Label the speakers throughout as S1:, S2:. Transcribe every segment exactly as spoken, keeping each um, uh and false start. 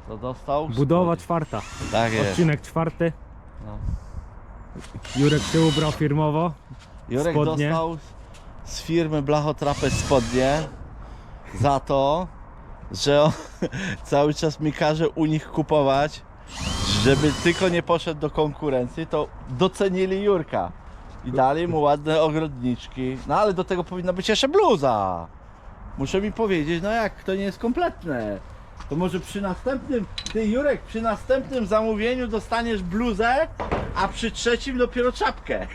S1: To dostał?
S2: Budowa
S1: Spodnie.
S2: czwarta.
S1: Tak jest.
S2: Odcinek czwarty.
S1: No.
S2: Jurek się ubrał firmowo.
S1: Jurek
S2: Spodnie.
S1: dostał z firmy Blachotrapez spodnie za to, że on cały czas mi każe u nich kupować, żeby tylko nie poszedł do konkurencji, to docenili Jurka i dali mu ładne ogrodniczki. No ale do tego powinna być jeszcze bluza. Muszę mi powiedzieć, no jak, to nie jest kompletne. To może przy następnym, ty Jurek, przy następnym zamówieniu dostaniesz bluzę, a przy trzecim dopiero czapkę.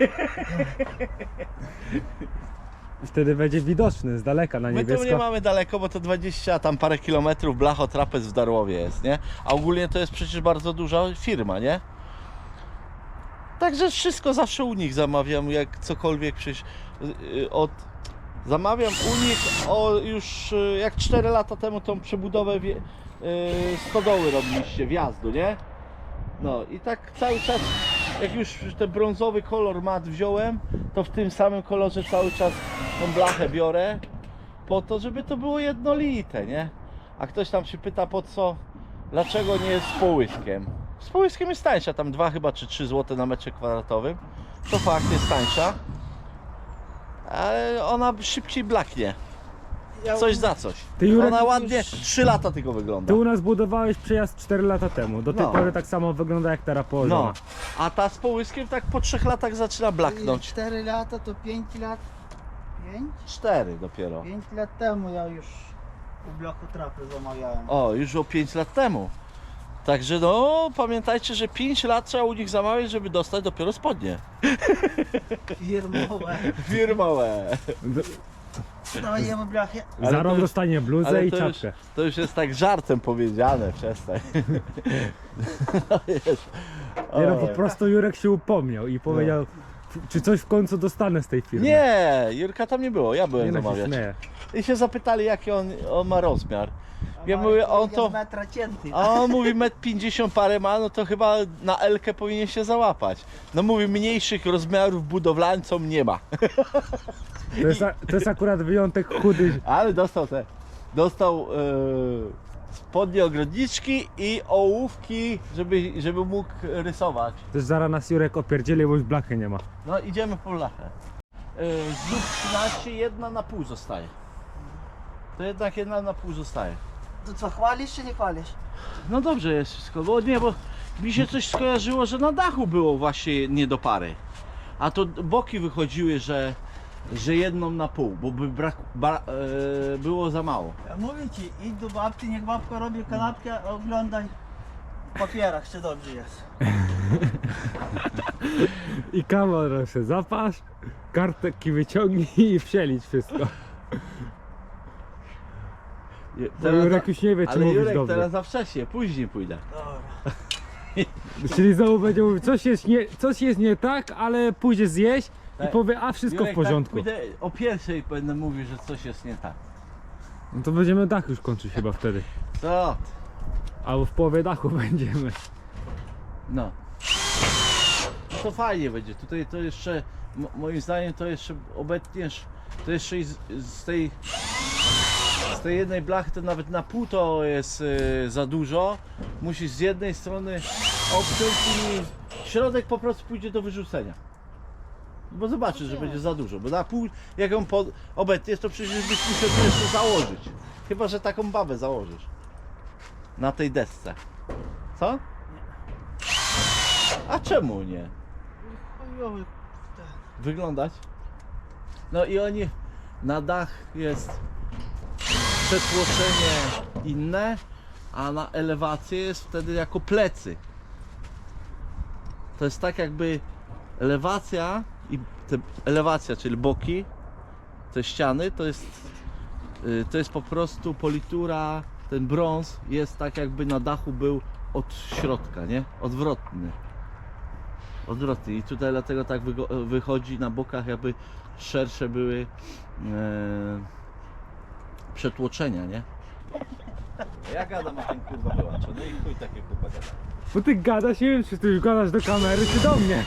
S2: Wtedy będzie widoczny z daleka na
S1: My tu nie
S2: niebiesko.
S1: mamy daleko, bo to dwadzieścia tam parę kilometrów Blachotrapez w Darłowie jest, nie? A ogólnie to jest przecież bardzo duża firma, nie? Także wszystko zawsze u nich zamawiam, jak cokolwiek przecież yy, od... Zamawiam u nich o już yy, jak cztery lata temu tą przebudowę wie, yy, stodoły robiliście, wjazdu, nie? No i tak cały czas, jak już ten brązowy kolor mat wziąłem, to w tym samym kolorze cały czas tą blachę biorę, po to, żeby to było jednolite, nie? A ktoś tam się pyta, po co, dlaczego nie jest z połyskiem? Z połyskiem jest tańsza, tam dwa chyba czy trzy złote na metrze kwadratowym, to fakt jest tańsza, ale ona szybciej blaknie, coś za coś.
S2: Ty, Jurek,
S1: Ona ładnie,
S2: już-
S1: trzy lata tylko wygląda.
S2: Ty u nas budowałeś przejazd cztery lata temu. Do tej
S1: No.
S2: pory tak samo wygląda jak teraz położona.
S1: No, a ta z połyskiem tak po trzech latach zaczyna blaknąć.
S3: cztery lata to pięć lat. pięć?
S1: Cztery dopiero.
S3: pięć lat temu ja już u Blachotrapez zamawiałem.
S1: O, już o pięć lat temu. Także no, pamiętajcie, że pięć lat trzeba u nich zamawiać, żeby dostać dopiero spodnie.
S3: Firmowe.
S1: Firmowe.
S3: Dajemy blachę.
S1: Ale
S2: Za
S1: to
S2: rok
S1: już-
S2: dostanie bluzę
S1: Ale
S2: i
S1: to już,
S2: czapkę.
S1: to już jest tak żartem powiedziane, przestań. No jest.
S2: Nie no,
S1: O.
S2: po prostu Jurek się upomniał i powiedział, czy coś w końcu dostanę z tej firmy.
S1: Nie, Jurka tam nie było, ja byłem
S2: Nie no, się
S1: zamawiać.
S2: śmieję.
S1: I się zapytali, jaki on, on ma rozmiar. Ja mówię, on to...
S3: metra cięty.
S1: A on mówi metr pięćdziesiąt parę ma, no to chyba na Elkę powinien się załapać. No mówi, mniejszych rozmiarów budowlańcom nie ma.
S2: To jest, a- to jest akurat wyjątek chudy.
S1: Ale dostał te, dostał e, spodnie ogrodniczki i ołówki, żeby, żeby mógł rysować.
S2: Też zaraz nas Jurek opierdzieli, bo już blachy nie ma.
S1: No idziemy po lachę. E, znów trzynaście, jedna na pół zostaje. To jednak jedna na pół zostaje.
S3: To co, chwalisz czy nie chwalisz?
S1: No dobrze jest wszystko, bo nie, bo mi się coś skojarzyło, że na dachu było właśnie nie do pary. A to boki wychodziły, że, że jedną na pół, bo by brak, ba, e, było za mało.
S3: Ja mówię ci, idź do babci, niech babka robi kanapkę, oglądaj w papierach, czy dobrze jest.
S2: I kamerę się zapasz, kartki wyciągnij i przelicz wszystko.
S1: Je-
S2: Bo Jurek już nie wie, czy
S1: ale
S2: mówisz
S1: Jurek
S2: dobrze.
S1: teraz za wcześnie, później pójdę.
S3: Dobra.
S2: Czyli znowu będzie mówił, coś jest nie, coś jest nie tak, ale pójdzie zjeść i
S1: Tak.
S2: powie, a wszystko
S1: Jurek,
S2: w porządku.
S1: Tak pójdę, o pierwszej będę mówił, że coś jest nie tak.
S2: No to będziemy dach już kończyć chyba wtedy.
S1: Co?
S2: Albo w połowie dachu będziemy.
S1: No. No to fajnie będzie. Tutaj to jeszcze, mo- moim zdaniem to jeszcze obetniesz, to jeszcze i z, z tej z tej jednej blachy to nawet na pół to jest y, za dużo. Musisz z jednej strony obciąć i środek po prostu pójdzie do wyrzucenia. Bo zobaczysz, że będzie za dużo, bo na pół jak ją pod, obetniesz, to przecież byś musiał tu jeszcze założyć. Chyba że taką babę założysz. Na tej desce. Co? A czemu nie?
S3: Chujowy.
S1: Wyglądać? No i oni, na dach jest przetłoczenie inne, a na elewację jest wtedy jako plecy. To jest tak jakby elewacja i te elewacja, czyli boki, te ściany, to jest y, to jest po prostu politura, ten brąz jest tak jakby na dachu był od środka, nie? Odwrotny. Odwrotnie i tutaj dlatego tak wygo- wychodzi na bokach, jakby szersze były e, przetłoczenia, nie? Ja gadam, a ten kurwa wyłącza, no i chuj takie kurwa gada.
S2: Bo ty gadasz, nie wiem czy ty już gadasz do kamery czy do mnie.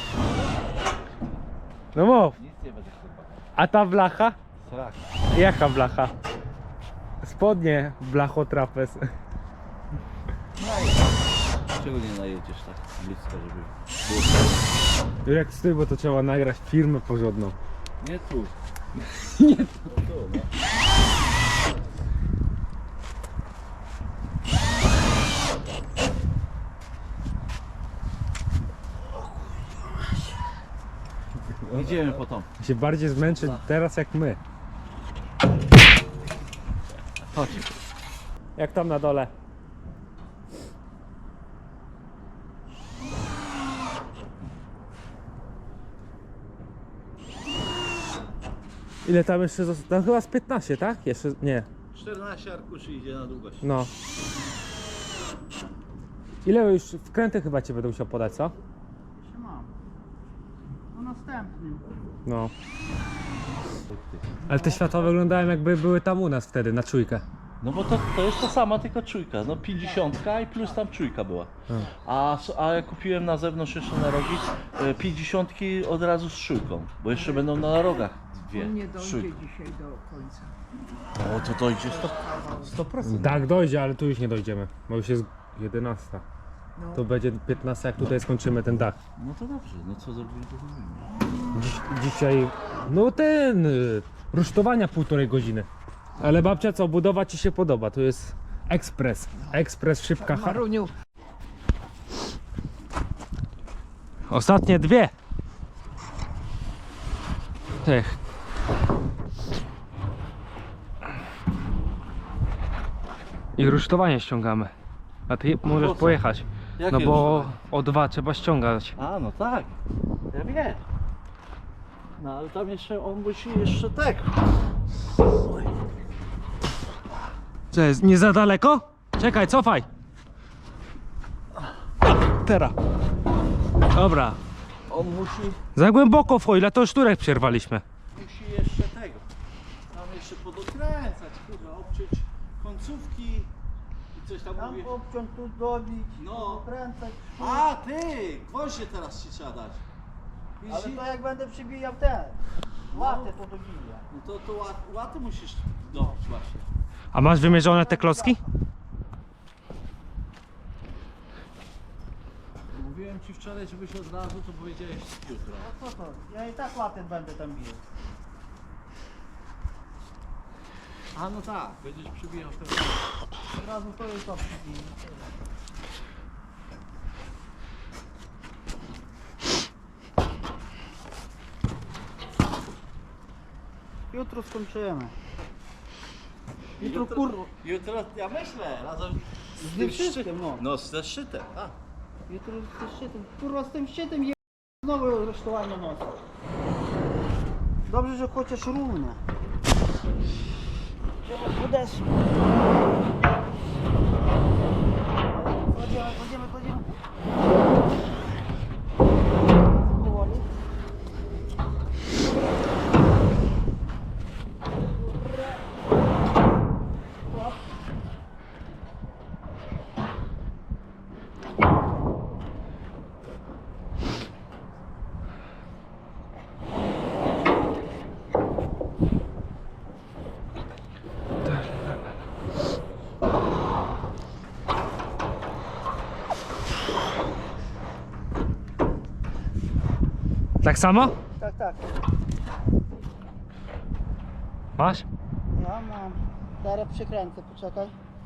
S2: No mów,
S1: Nic nie będzie kurwa gadał.
S2: a ta blacha?
S1: Srak.
S2: Jaka blacha? Spodnie Blachotrapez.
S3: No i
S1: Czego nie najedziesz tak blisko, żeby było...
S2: Jak z tym, bo to trzeba nagrać firmę porządną.
S1: Nie tu.
S2: Nie.
S1: Tu, no. Idziemy po tą.
S2: Się bardziej zmęczy teraz jak my.
S1: Chodź.
S2: Jak tam na dole? Ile tam jeszcze zostało? Tam chyba z piętnaście, tak? Jeszcze nie.
S1: czternaście arkuszy idzie na długość.
S2: No. Ile już wkręty chyba cię będę musiał podać, co?
S3: Jeszcze mam. No następnym.
S2: No. Ale te światła wyglądają jakby były tam u nas wtedy, na czujkę.
S1: No bo to, to jest ta sama, tylko czujka. No pięćdziesiątka i plus tam czujka była. A, s- a ja kupiłem na zewnątrz jeszcze na rogi e, pięćdziesiątki od razu z czujką. Bo jeszcze będą na rogach dwie.
S4: On nie
S1: z
S4: dojdzie
S1: czujką.
S4: dzisiaj do końca.
S1: O, to dojdzie sto procent.
S2: Tak, dojdzie, ale tu już nie dojdziemy, bo już jest jedenasta.
S4: No.
S2: To będzie piętnasta, jak tutaj skończymy ten dach.
S1: No to dobrze, no co zrobimy, to zrobimy.
S2: Dziś, dzisiaj, no ten, y, rusztowania półtorej godziny. Ale babcia, co, budowa ci się podoba? To jest ekspres, ekspres, szybka. ha-
S4: Maruniu,
S2: Ostatnie dwie. Tych. I rusztowanie ściągamy. A ty możesz
S1: po co?
S2: pojechać.
S1: Jakie
S2: No bo
S1: rusztowanie?
S2: o dwa trzeba ściągać.
S1: A, no tak. Ja wiem. No ale tam jeszcze on musi jeszcze tak.
S2: Co jest, nie za daleko? Czekaj, cofaj. Teraz. Dobra.
S1: On musi,
S2: Za głęboko w foila, to już turek przerwaliśmy.
S1: musi jeszcze tego. Tam jeszcze podokręcać, kurwa, obciąć końcówki i coś tam
S3: Tam
S1: mówię.
S3: obciąć, tu dobić,
S1: No.
S3: kręcać.
S1: A ty! Gwoździe teraz ci trzeba dać.
S3: Ale
S1: Widzisz?
S3: to jak będę przybijał ten, łatę to dobija.
S1: No to, to łat, łaty musisz dobić właśnie.
S2: A masz wymierzone te klocki?
S1: Mówiłem ci wczoraj, żebyś od razu to powiedziałeś jutro.
S3: No co to? Ja i tak łatę będę tam bił.
S1: A no tak, będziesz przybijał teraz.
S3: Od razu to i to przybiję. Jutro skończymy. Jutro kurwa.
S1: Jutro, ja myślę, razem
S3: Z tym wszystkim, no.
S1: No, ze szczytem, a.
S3: Jutro ze szczytem. Kurwa z tym szczytem je... znowu resztowanie nosa. Dobrze, że chociaż równe. Trzeba podeszły. Kładziemy, kładziemy, kładziemy. Powoli. Hop.
S2: Tak samo?
S3: Tak, tak.
S2: Masz?
S3: Ja mam. Teraz przykręcę, poczekaj.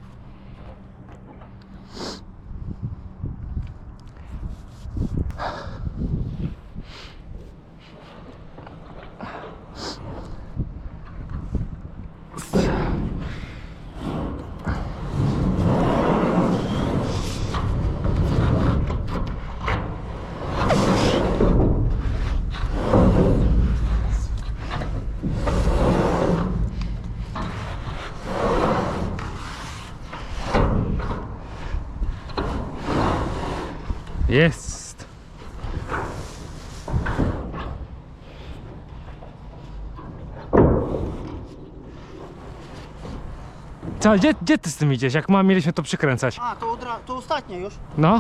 S2: Jest. Co, gdzie, gdzie ty z tym idziesz? Jak ma, mieliśmy to przykręcać?
S3: A, to, odra- to ostatnie już.
S2: No.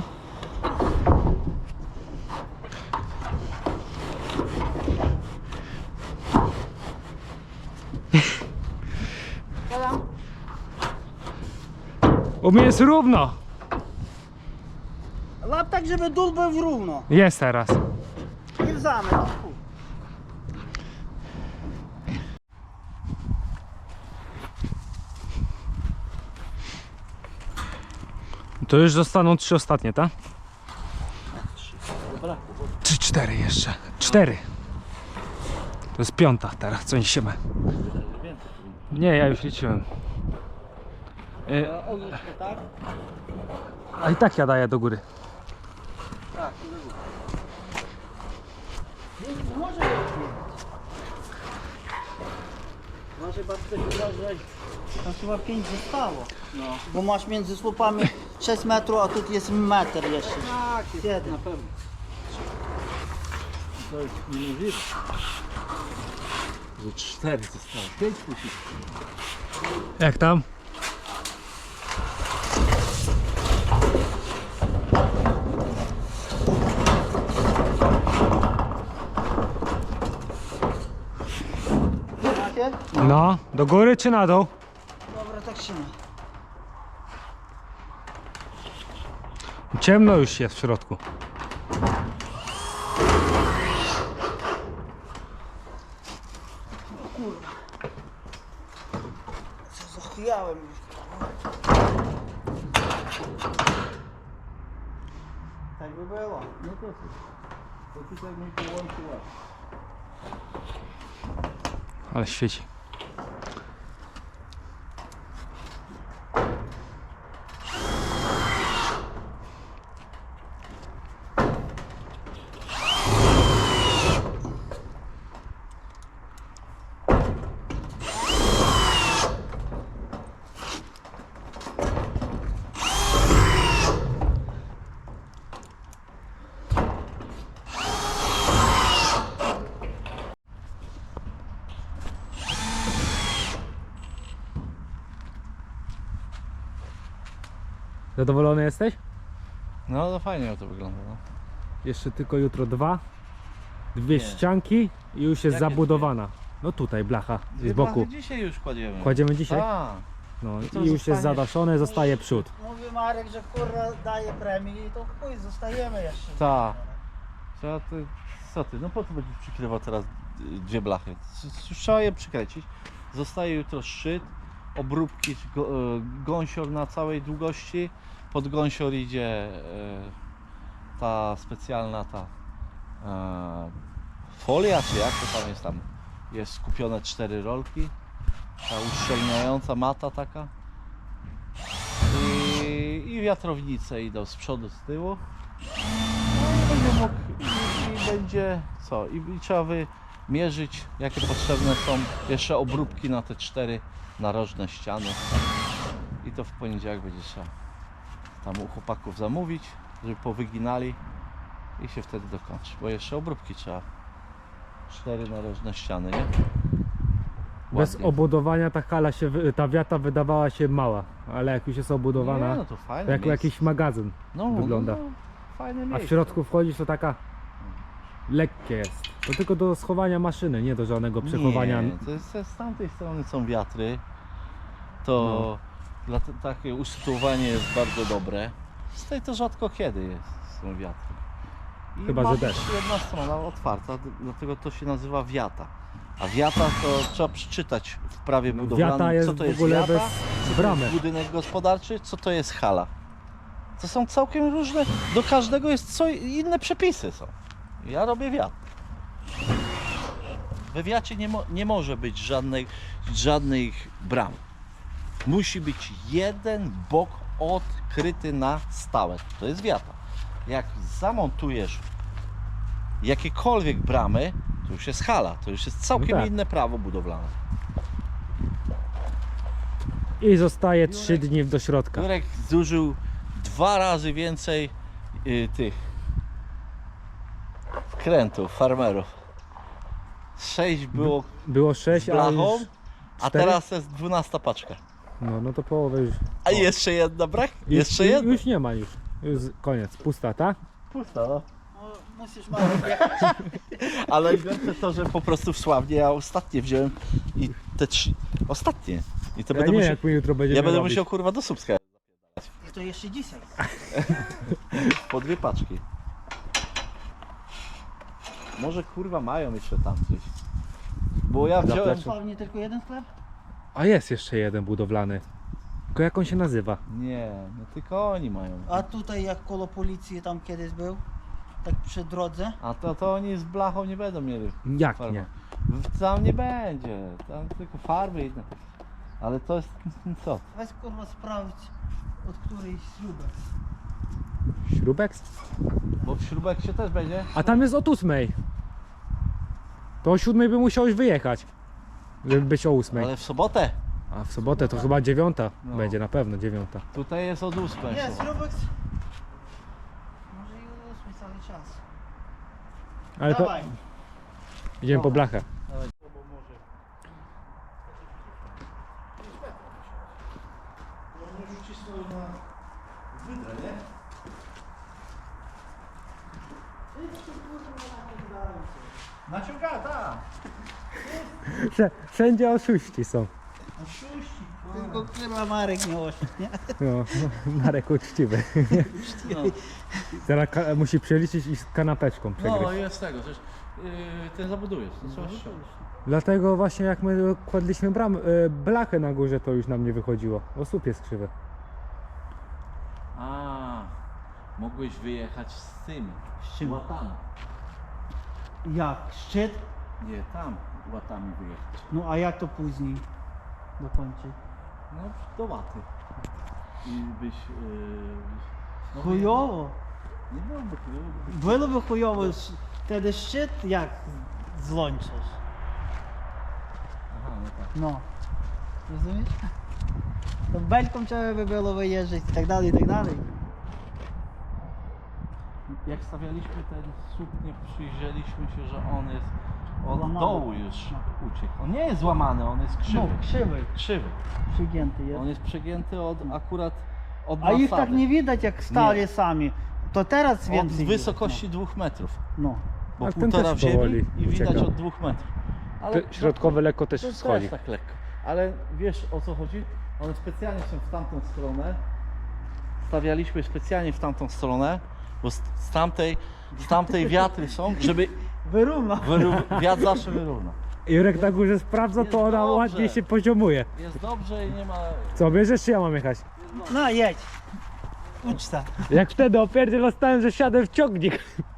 S3: Siadam.
S2: U mnie jest równo.
S3: Łap tak, żeby dół był równo.
S2: Jest teraz.
S3: I w zamek. O, chuj.
S2: To już zostaną trzy ostatnie, tak?
S1: Dobra.
S2: Trzy, cztery jeszcze. Cztery. To jest piąta teraz, co niesiemy. Nie, ja już liczyłem. E,
S3: Odwróć się tak.
S2: a i tak ja daję do góry.
S3: Tak, i do góry. Nie, może jeszcze. Może babcia uważać. Tam chyba pięć zostało. No. Bo masz między słupami sześć metrów, a tu jest metr jeszcze. Tak, jest jedna. Na pewno.
S1: To jest niemożliwe. Że cztery zostało. Pięć musi.
S2: Jak tam?
S3: Macie?
S2: No, do góry czy na dół?
S3: Dobra, tak się ma.
S2: Ciemno już jest w środku.
S3: Co zachwiałem już. Tak by było.
S1: No to co? To tutaj mi połączyła.
S2: Ale świeci. Zadowolony jesteś?
S1: No to fajnie to wygląda. No.
S2: Jeszcze tylko jutro dwa. Dwie
S1: Nie.
S2: ścianki i już jest
S1: Jakie
S2: zabudowana. No tutaj blacha
S1: Dwie
S2: z boku.
S1: blachy dzisiaj już kładziemy.
S2: Kładziemy dzisiaj?
S1: A,
S2: No
S1: to
S2: i już
S1: zostanie.
S2: jest zadaszone, zostaje przód.
S3: Mówi Marek, że kurwa daje premię i to chuj, zostajemy jeszcze.
S1: Tak. Trzeba ty, co ty, no po co będziesz przykrywał teraz y, dwie blachy? Już trzeba je przykręcić. Zostaje jutro szczyt, obróbki, czy go, y, gąsior na całej długości. Pod gąsior idzie y, ta specjalna ta y, folia, czy jak to tam jest tam. Jest skupione cztery rolki. Ta uszczelniająca mata taka. I, i wiatrownice idą z przodu, z tyłu. No i będzie mógł, i, i będzie co? I, I trzeba wymierzyć, jakie potrzebne są jeszcze obróbki na te cztery narożne ściany. I to w poniedziałek będzie trzeba tam u chłopaków zamówić, żeby powyginali i się wtedy dokończy. Bo jeszcze obróbki trzeba. Cztery narożne ściany, nie?
S2: Bez
S1: Ładnie.
S2: obudowania ta hala się, wy- ta wiata wydawała się mała, ale jak już jest obudowana,
S1: Nie, no to fajne
S2: to jak
S1: miejsce.
S2: jakiś magazyn
S1: no,
S2: wygląda.
S1: No, fajne
S2: A w
S1: miejsce.
S2: środku wchodzisz, to taka lekkie jest. To tylko do schowania maszyny, nie do żadnego przechowania.
S1: Nie, to jest, z tamtej strony są wiatry. To dla te, takie usytuowanie jest bardzo dobre. Z tej to rzadko kiedy jest, są wiatry. I
S2: Chyba,
S1: ma
S2: że
S1: być
S2: deszcz.
S1: jedna strona otwarta, d- dlatego to się nazywa wiata. A wiata to trzeba przeczytać w prawie budowlanym,
S2: Wiata jest
S1: co to
S2: w
S1: jest
S2: ogóle
S1: wiata,
S2: bez
S1: co to
S2: bramy.
S1: jest budynek gospodarczy, co to jest hala. To są całkiem różne, do każdego jest co inne przepisy są. Ja robię wiat. We wiacie nie, mo, nie może być żadnej, żadnych bram. Musi być jeden bok odkryty na stałe. To jest wiata. Jak zamontujesz jakiekolwiek bramy, to już jest hala. To już jest całkiem
S2: No tak.
S1: inne prawo budowlane.
S2: I zostaje trzy dni do środka.
S1: Jurek zużył dwa razy więcej y, tych wkrętów, farmerów. Sześć było
S2: Było
S1: z
S2: sześć, a
S1: blachą,
S2: już
S1: a
S2: cztery?
S1: teraz jest dwunasta paczka.
S2: No, no to połowę już.
S1: A jeszcze jedna brak?
S2: Już,
S1: Jeszcze jedna?
S2: Już nie ma już. Już koniec, pusta, tak?
S1: Pusta, no.
S3: No, musisz Marek jechać.
S1: Ale najgorsze to, że po prostu w Sławnie ja ostatnie wziąłem i te trzy... Ostatnie. I to
S2: Ja
S1: będę
S2: nie,
S1: musiał...
S2: jak my jutro będziemy
S1: Ja będę
S2: robić.
S1: musiał kurwa do Słupska.
S3: to jeszcze dzisiaj.
S1: Po dwie paczki. Może kurwa mają jeszcze tam coś. Bo ja wziąłem...
S2: Zaplecze.
S3: Pewnie tylko jeden sklep?
S2: A jest jeszcze jeden budowlany. Tylko jak on się nazywa?
S1: Nie, no tylko oni mają.
S3: A tutaj jak koło policji tam kiedyś był, tak przy drodze.
S1: A to, to oni z blachą nie będą mieli.
S2: Jak
S1: farby.
S2: nie?
S1: Tam nie będzie. Tam tylko farby inne. Ale to jest co?
S3: Weź kurwa sprawdź od której śrubek.
S2: Śrubek?
S1: Bo w śrubek się też będzie.
S2: A tam jest od ósmej. To o siódmej by musiałeś wyjechać. Żeby być o ósmej.
S1: Ale w sobotę.
S2: A w sobotę to chyba dziewiąta
S1: No.
S2: będzie, na pewno dziewiąta.
S1: Tutaj jest od ósmej.
S3: Nie, śrubek. Może i od ósmej cały czas.
S2: Ale to
S3: Dawaj.
S2: idziemy po blachę.
S1: Naciąga, tak.
S2: Wszędzie oszuści są.
S3: Tylko kurwa Marek nie oszedł, nie?
S2: No, Marek uczciwy.
S1: No,
S2: Teraz ka- musi przeliczyć i z kanapeczką
S1: no
S2: przegryźć.
S1: jest tego, że yy, ty zabudujesz, to trzeba ściągnąć.
S2: Dlatego właśnie jak my kładliśmy bram, y, blachę na górze, to już nam nie wychodziło. O, słup jest krzywy.
S1: A, mogłeś wyjechać z tym.
S3: Z czym?
S1: Łatami.
S3: Jak? Szczyt?
S1: Nie, tam łatami wyjechać.
S3: No a jak to później dokończyć?
S1: No, do łaty. I byś... Yy, no,
S3: Chujowo.
S1: Nie byłoby chujowo.
S3: Byłoby chujowo, sz- wtedy szczyt jak złączysz.
S1: Aha, no tak.
S3: No. Rozumiesz? To belką trzeba by było wyjeżdżać i tak dalej, i tak dalej.
S1: Jak stawialiśmy ten słup, nie przyjrzeliśmy się, że on jest od
S3: Złamany.
S1: dołu już uciekł. On nie jest złamany, on jest krzywy.
S3: No, krzywy,
S1: Krzywy.
S3: przygięty
S1: On
S3: jest.
S1: jest przegięty od akurat od
S3: A ich tak
S1: nasady.
S3: nie widać jak stali
S1: Nie.
S3: sami. To teraz
S1: Od
S3: więcej
S1: wysokości dwóch metrów.
S3: widać. No.
S1: Bo
S2: Ale ten
S1: półtora
S2: też
S1: w ziemi
S2: powoli
S1: i widać
S2: ucieka.
S1: od dwóch metrów. Ale
S2: Te środkowe lekko też
S1: to
S2: schodzi.
S1: też tak lekko. Ale wiesz o co chodzi? One specjalnie są w tamtą stronę. Stawialiśmy specjalnie w tamtą stronę, bo z, z, tamtej, z tamtej wiatry są, żeby
S3: Wyrówna.
S1: wyró- wiatr zawsze wyrówna.
S2: Jurek na górze sprawdza,
S1: Jest
S2: to ona
S1: dobrze.
S2: ładnie się poziomuje.
S1: Jest dobrze i nie ma...
S2: Co, bierzesz czy ja mam jechać?
S3: No jedź. Uczta.
S2: Jak wtedy opierdziel dostałem, że siadę w ciągnik.